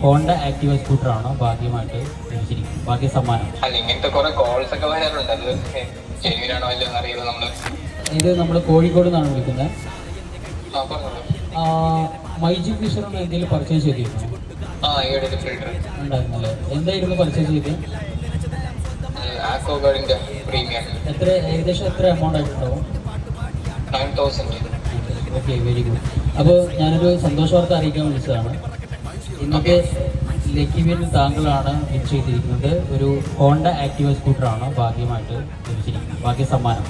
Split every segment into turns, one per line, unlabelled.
Honda Activa സ്കൂട്ടറാണ് ഭാഗ്യമായിട്ട് ലഭിച്ചിരിക്കുന്നത്. ഭാഗ്യ സമ്മാനം.
അല്ല, ഇങ്ങനത്തെ കുറെ കോൾസ് ഒക്കെ വരാറുണ്ട്. അത് ജെന്യൂനാണോ അല്ലെന്ന് അറിയില്ല.
ഇത് നമ്മൾ കോഴിക്കോട് നിന്നാണ് വിളിക്കുന്നത്.
പറഞ്ഞോളൂ.
മൈജി ഫീച്ചറിന് എന്തെങ്കിലും പർച്ചേസ് ചെയ്തിരുന്നു? ഉണ്ടായിരുന്നല്ലേ? എന്തായിരുന്നു പർച്ചേസ് ചെയ്തത്? എത്ര ഏകദേശം എത്ര എമൗണ്ട് ആയിട്ടുണ്ടാവും?
9,000.
Okay, very good. അപ്പോൾ ഞാനൊരു സന്തോഷ വാർത്ത അറിയിക്കാൻ വിളിച്ചതാണ്. ഇന്നത്തെ ലക്കി വിൻ താങ്കളാണ് വിൻ ചെയ്തിരിക്കുന്നത്. ഒരു ഹോണ്ട ആക്റ്റീവ സ്കൂട്ടറാണ് ഭാഗ്യമായിട്ട് ലഭിച്ചിരിക്കുന്നത്. ഭാഗ്യ സമ്മാനം.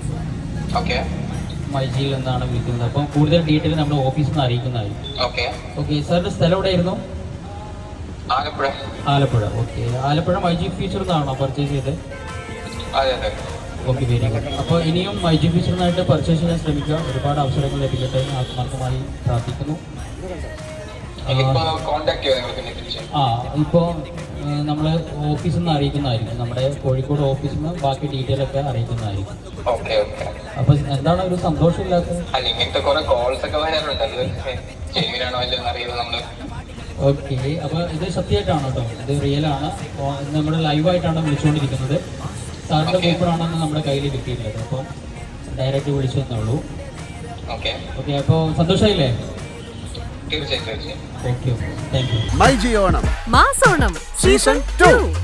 മൈജിയിൽ നിന്നാണ് വിളിക്കുന്നത്. അപ്പോൾ കൂടുതൽ ഡീറ്റെയിൽ നമ്മുടെ ഓഫീസിൽ നിന്ന് അറിയിക്കുന്നതായിരിക്കും. ഓക്കെ, സാറിൻ്റെ സ്ഥലം എവിടെയായിരുന്നു? ആലപ്പുഴ. ഓക്കെ, ആലപ്പുഴ മൈജി ഫീച്ചർ നിന്നാണോ പർച്ചേസ് ചെയ്തത്? Okay, very good. അപ്പോൾ ഇനിയും മൈജി ഫീച്ചറിനായിട്ട് പർച്ചേസ് ചെയ്യാൻ ശ്രമിക്കുക. ഒരുപാട് അവസരങ്ങൾ ലഭിക്കട്ടെ ആത്മാർത്ഥമായി പ്രാർത്ഥിക്കുന്നു. ഇപ്പോൾ നമ്മൾ ഓഫീസിൽ നിന്ന് അറിയിക്കുന്നതായിരിക്കും. നമ്മുടെ കോഴിക്കോട് ഓഫീസിൽ നിന്ന് ബാക്കി ഡീറ്റെയിൽ ഒക്കെ അറിയിക്കുന്നതായിരിക്കും. അപ്പൊ എന്താണ് ഒരു സന്തോഷമില്ലാത്തത്? ഓക്കെ, അപ്പൊ ഇത് സത്യമായിട്ടാണ് കേട്ടോ, ഇത് റിയൽ ആണ്. നമ്മൾ ലൈവായിട്ടാണ് വിളിച്ചുകൊണ്ടിരിക്കുന്നത്. സാറിന്റെ കൂപ്പറാണെന്ന് നമ്മുടെ കയ്യിൽ കിട്ടിയിട്ടുള്ളത്. അപ്പോൾ ഡയറക്റ്റ് വിളിച്ചു തന്നുള്ളൂ. ഓക്കെ, അപ്പോൾ സന്തോഷമായില്ലേ?
തീർച്ചയായും.
Okay, thank you.
MyG Onam
മാസോണം സീസൺ 2.